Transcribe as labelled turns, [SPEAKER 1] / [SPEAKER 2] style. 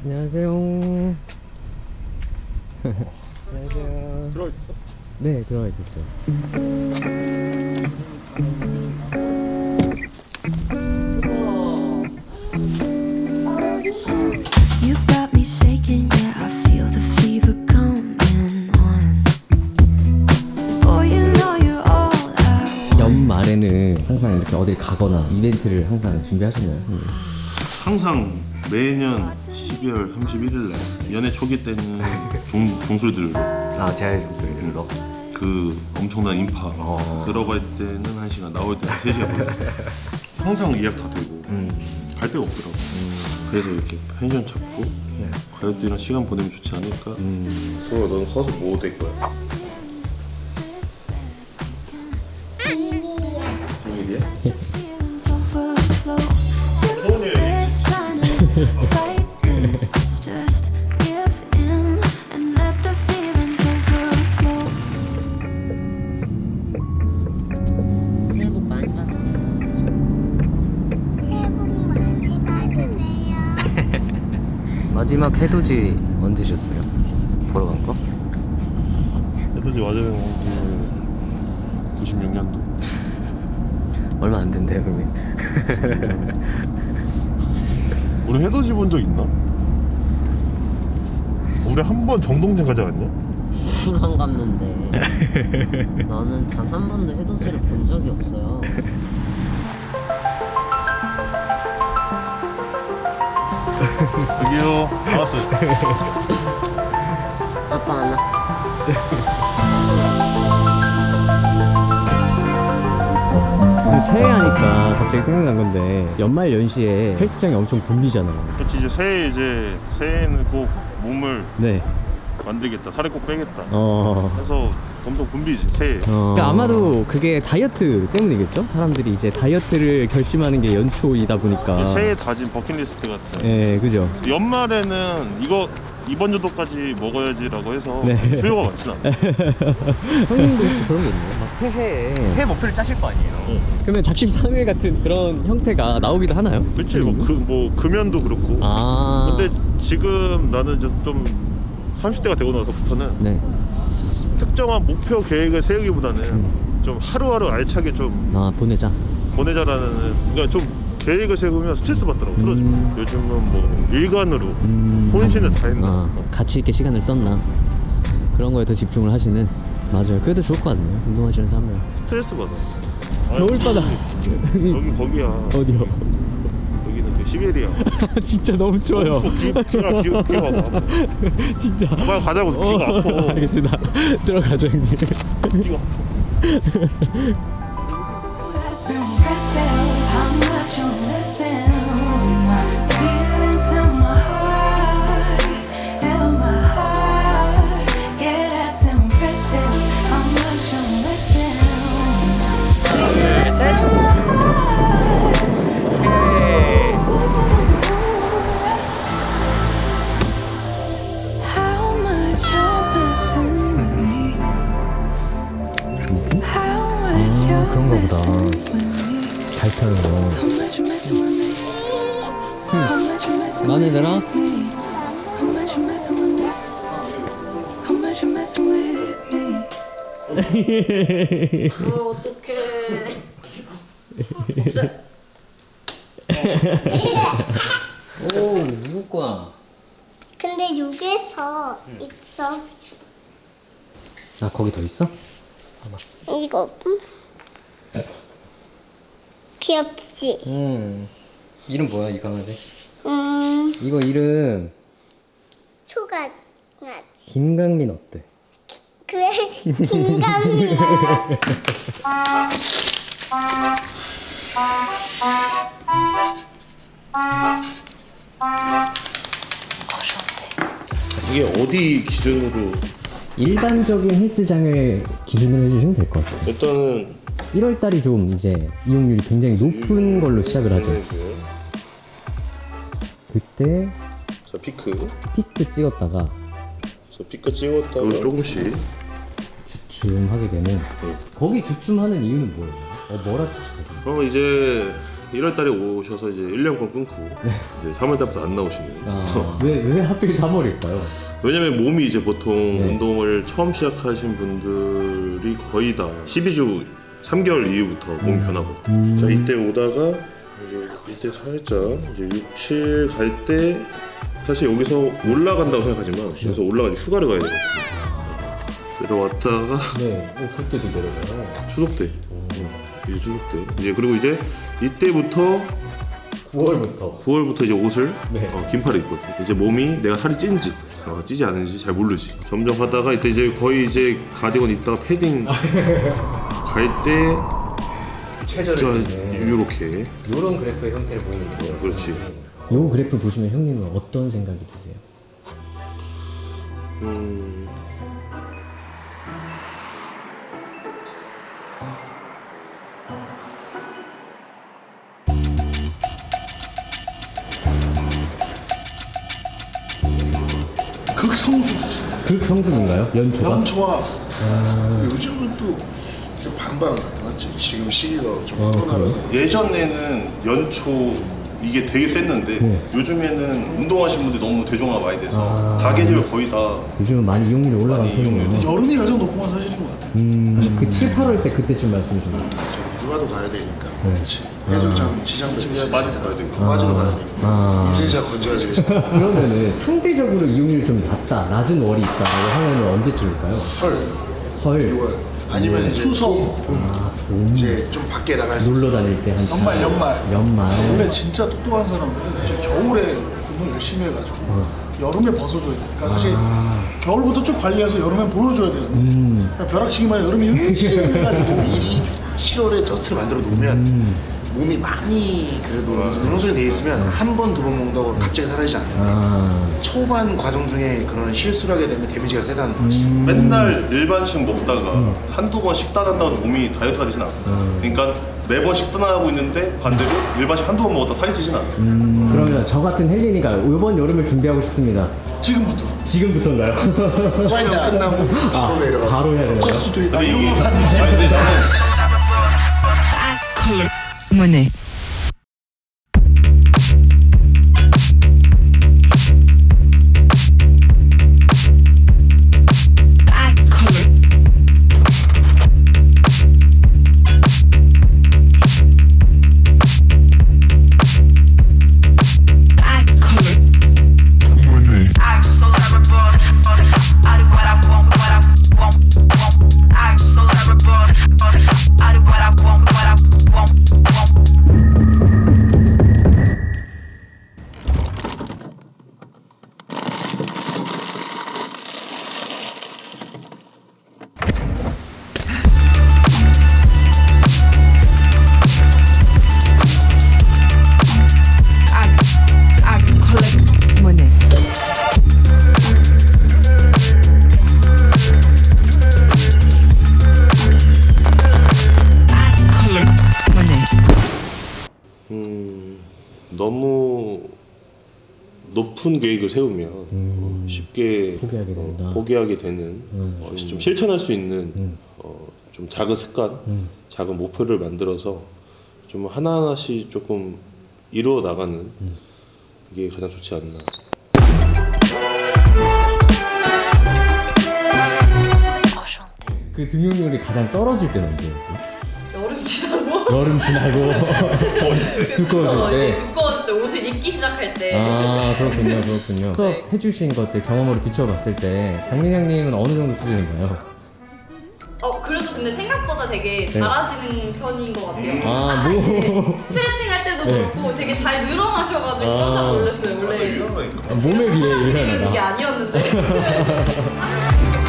[SPEAKER 1] 안녕하세요. 안녕하세요.
[SPEAKER 2] 들어가 있었어?
[SPEAKER 1] 네, 들어가 있었어요.
[SPEAKER 3] You got me shaking, yeah, I feel the fever coming on. Boy, you know you're all I want.
[SPEAKER 1] 연말에는 항상 이렇게 어딜 가거나 이벤트를 항상 준비하시나요?
[SPEAKER 2] 항상 매년 12월 31일 날 연애 초기 때는 종술들
[SPEAKER 1] 아, 제아의 종소리로.
[SPEAKER 2] 그 엄청난 인파 들어갈 때는 1시간 나올 때는 3시간 걸려. 항상 예약 다 되고 갈 데가 없더라고. 그래서 이렇게 펜션 잡고 가족들이랑 시간 보내면 좋지 않을까. 소야, 넌 커서 뭐 될 거야? 비밀이야?
[SPEAKER 3] Feelings overflow. You're just trying to fight this. Let's just give in and let the feelings overflow.
[SPEAKER 4] 새해 복 많이 받으세요.
[SPEAKER 5] 새해 복 많이 받으세요.
[SPEAKER 1] 마지막 해돋이 언제셨어요? 보러 간 거?
[SPEAKER 2] 해돋이 맞아요. 96년도.
[SPEAKER 1] 얼마 안 된대요, 그러면.
[SPEAKER 2] 우리 해돋이 본 적 있나? 우리 한 번 정동진 가지 않았냐?
[SPEAKER 4] 술 안 갔는데 나는 단 한 번도 해돋이를 본 적이 없어요.
[SPEAKER 2] 여기요. 나왔어요.
[SPEAKER 4] 아빠 안 와.
[SPEAKER 1] 새해 하니까 갑자기 생각난 건데 연말 연시에 헬스장이 엄청 붐비잖아요.
[SPEAKER 2] 그렇지. 새해에는 꼭 몸을
[SPEAKER 1] 네.
[SPEAKER 2] 만들겠다. 살을 꼭 빼겠다.
[SPEAKER 1] 어.
[SPEAKER 2] 해서 엄청 붐비지 새해.
[SPEAKER 1] 그러니까 아마도 그게 다이어트 때문이겠죠? 사람들이 이제 다이어트를 결심하는 게 연초이다 보니까.
[SPEAKER 2] 새해 다진 버킷리스트 같은.
[SPEAKER 1] 예, 그죠.
[SPEAKER 2] 연말에는 이번 주도까지 먹어야지라고 해서
[SPEAKER 1] 네.
[SPEAKER 2] 수요가 많진 않아.
[SPEAKER 1] 형님도 혹시 그런 게 있나요? 막 새해 목표를 짜실 거 아니에요? 그러면 작심삼일 같은 그런 형태가 나오기도 하나요?
[SPEAKER 2] 그렇지. 뭐 금연도 그렇고.
[SPEAKER 1] 아.
[SPEAKER 2] 근데 지금 나는 이제 좀 30대가 되고 나서부터는
[SPEAKER 1] 네.
[SPEAKER 2] 특정한 목표 계획을 세우기보다는 좀 하루하루 알차게 좀
[SPEAKER 1] 아, 보내자.
[SPEAKER 2] 보내자라는, 그러니까 좀 계획을 세우면 스트레스 받더라고. 틀어져. 요즘은 뭐 일관으로 혼신을 다 했나.
[SPEAKER 1] 아, 가치 있게 시간을 썼나 그런 거에 더 집중을 하시는. 맞아요. 그래도 좋을 것 같네요. 운동하시는 사람들.
[SPEAKER 2] 스트레스 받아.
[SPEAKER 1] 겨울바다.
[SPEAKER 2] 여기 거기야.
[SPEAKER 1] 어디요?
[SPEAKER 2] 여기는 그 시베리아.
[SPEAKER 1] 진짜 너무 추워요.
[SPEAKER 2] 귀가 아파.
[SPEAKER 1] 진짜.
[SPEAKER 2] 빨리 가자고. 귀가 아파.
[SPEAKER 1] 알겠습니다. 들어가죠, 형님.
[SPEAKER 2] 귀가 아파.
[SPEAKER 3] That's impressive how much you're missing. Feelings in my heart, in my heart. Yeah, that's impressive how much you're missing. Feelings in my heart. How much you're missing with me. How much you're
[SPEAKER 1] 그런가 보다.
[SPEAKER 3] missing with me.
[SPEAKER 1] 잘 타는 거.
[SPEAKER 3] How much you messing with me? How much you messing
[SPEAKER 1] 마음에
[SPEAKER 3] with
[SPEAKER 1] 들어?
[SPEAKER 3] me? How much you messing with me? How much you messing with me?
[SPEAKER 4] 어떡해. 없애. 오, 누구 거야?
[SPEAKER 5] 근데 여기서 있어.
[SPEAKER 1] 아, 거기 더 있어?
[SPEAKER 5] 이거 귀엽지?
[SPEAKER 1] 이름 뭐야, 이 강아지?
[SPEAKER 5] 음,
[SPEAKER 1] 이거 이름
[SPEAKER 5] 초가나지.
[SPEAKER 1] 김강민 어때?
[SPEAKER 5] 그래, 김감이야.
[SPEAKER 2] 이게 어디 기준으로?
[SPEAKER 1] 일반적인 헬스장을 기준으로 해주시면 될 것 같아요.
[SPEAKER 2] 일단은
[SPEAKER 1] 1월달이 좀 이제 이용률이 굉장히 높은 걸로 시작을 하죠. 그때
[SPEAKER 2] 자, 피크
[SPEAKER 1] 찍었다가
[SPEAKER 2] 찍었다가 조금씩
[SPEAKER 1] 주춤하게 되는. 거기 주춤하는 이유는 뭐예요? 뭐라 주춤하세요?
[SPEAKER 2] 그러면 이제 1월 달에 오셔서 이제 1년간 끊고 이제 3월 달부터 안 나오시네요.
[SPEAKER 1] 왜 하필 3월일까요?
[SPEAKER 2] 왜냐면 몸이 이제 보통
[SPEAKER 1] 네.
[SPEAKER 2] 운동을 처음 시작하신 분들이 거의 다 12주 3개월 이후부터 몸이 변하거든요. 자, 이때 오다가 이제 이때 살짝 이제 6, 7 갈 때 사실 여기서 올라간다고 생각하지만 여기서 올라가서 휴가를 가야 돼요. 내려왔다가
[SPEAKER 1] 네, 그때도 내려가요.
[SPEAKER 2] 추석 때 이제 추석 때 이제 그리고 이제 이때부터 9월부터 이제 옷을
[SPEAKER 1] 네.
[SPEAKER 2] 긴팔을 입거든요. 이제 몸이 내가 살이 찐지 찌지 않은지 잘 모르지. 점점 하다가 이때 이제 거의 이제 가디건 입다가 패딩 갈 때
[SPEAKER 1] 최저를
[SPEAKER 2] 이렇게
[SPEAKER 1] 이런 그래프의 형태를 보이는 거예요.
[SPEAKER 2] 그렇지.
[SPEAKER 1] 이 그래프 보시면 형님은 어떤 생각이 드세요? 극성수인가요? 연초가?
[SPEAKER 6] 연초와 요즘은 또 반반 같은 것 같지. 지금 시기가 좀 코로나라서
[SPEAKER 2] 예전에는 연초 이게 되게 셌는데
[SPEAKER 1] 네.
[SPEAKER 2] 요즘에는 운동하시는 분들이 너무 대중화가 많이 돼서 다 계절 거의 다
[SPEAKER 1] 요즘은 많이 이용률이 올라간
[SPEAKER 2] 많이 이용률이
[SPEAKER 1] 편이에요.
[SPEAKER 6] 여름이 가장 높은 건 사실인 것 같아.
[SPEAKER 1] 그 7, 8월 때 그때쯤 말씀이신 거예요?
[SPEAKER 6] 저 육아도 가야 되니까.
[SPEAKER 1] 네.
[SPEAKER 6] 그렇지. 해수욕장 지장도 있으니까.
[SPEAKER 2] 빠지도 가야 되고.
[SPEAKER 6] 빠지도 가야 되고. 인생샷 건져야 되고.
[SPEAKER 1] 그러면은 상대적으로 이용률이 좀 낮은 월이 있다고 하면은 언제쯤일까요?
[SPEAKER 6] 설,
[SPEAKER 1] 설,
[SPEAKER 6] 6월 아니면 이제
[SPEAKER 7] 추석.
[SPEAKER 1] 봄,
[SPEAKER 6] 이제 좀 밖에 나갈 수
[SPEAKER 1] 놀러 다닐 때 한 연말.
[SPEAKER 7] 원래 진짜 똑똑한 사람들은 이제 겨울에 운동 열심히 해가지고 여름에 벗어줘야 되니까 사실 겨울부터 쭉 관리해서 여름에 보여줘야 되는데 그러니까 벼락치기만 해서 여름에 열심히 해가지고
[SPEAKER 6] 미리 7월에 저스트를 만들어 놓으면 몸이 많이 그래도 형성이 돼 있으면 한 번, 두 번 먹는다고 갑자기 사라지지 않는다. 초반 과정 중에 그런 실수를 하게 되면 데미지가 세다는 거지.
[SPEAKER 2] 맨날 일반식 먹다가 한두 번 식단한다고 해서 몸이 다이어트가 되진 않아. 그러니까 매번 식단하고 있는데 반대로 일반식 한두 번 먹었다 살이 찌진 않아.
[SPEAKER 1] 그러면 저 같은 헬린이가 이번 여름을 준비하고 싶습니다.
[SPEAKER 7] 지금부터
[SPEAKER 1] 지금부터인가요?
[SPEAKER 6] 촬영 끝나고 바로 내려가서
[SPEAKER 1] 바로 해야 되나요?
[SPEAKER 7] 수도 있다.
[SPEAKER 2] 근데 이게
[SPEAKER 7] 이런 거
[SPEAKER 2] 아니 근데 나는
[SPEAKER 8] money.
[SPEAKER 9] I'm so terrible. I do what I want, what I want. I'm so terrible. I do what I want, what I want.
[SPEAKER 8] I collect money. Collect money.
[SPEAKER 2] 너무 높은 계획을 세우면 쉽게
[SPEAKER 1] 포기하게 된다.
[SPEAKER 2] 포기하게 되는 좀 실천할 수 있는 좀 작은 습관, 작은 목표를 만들어서 좀 하나하나씩 조금 이루어 나가는 이게 가장 좋지 않나.
[SPEAKER 1] 그 등용률이 가장 떨어질 때는 언제예요?
[SPEAKER 10] 여름 지나고
[SPEAKER 1] 여름 지나고 두꺼워질 때.
[SPEAKER 10] 두꺼워질 때 옷을 입기 시작할 때
[SPEAKER 1] 아 그렇군요. 수업 해주신 것들 경험으로 비춰봤을 때 장민영님은 어느 정도 수준인가요?
[SPEAKER 10] 그래도 근데 생각보다 되게 잘하시는 편인 것 같아요.
[SPEAKER 1] 아, 뭐.
[SPEAKER 10] 이제 스트레칭 할 때도
[SPEAKER 1] 네.
[SPEAKER 10] 그렇고 되게 잘 늘어나셔가지고
[SPEAKER 1] 아.
[SPEAKER 10] 깜짝 놀랐어요. 원래
[SPEAKER 2] 유연하니까.
[SPEAKER 1] 몸에 비해
[SPEAKER 10] 생각하기로는 이게
[SPEAKER 1] 유연하다.
[SPEAKER 10] 아니었는데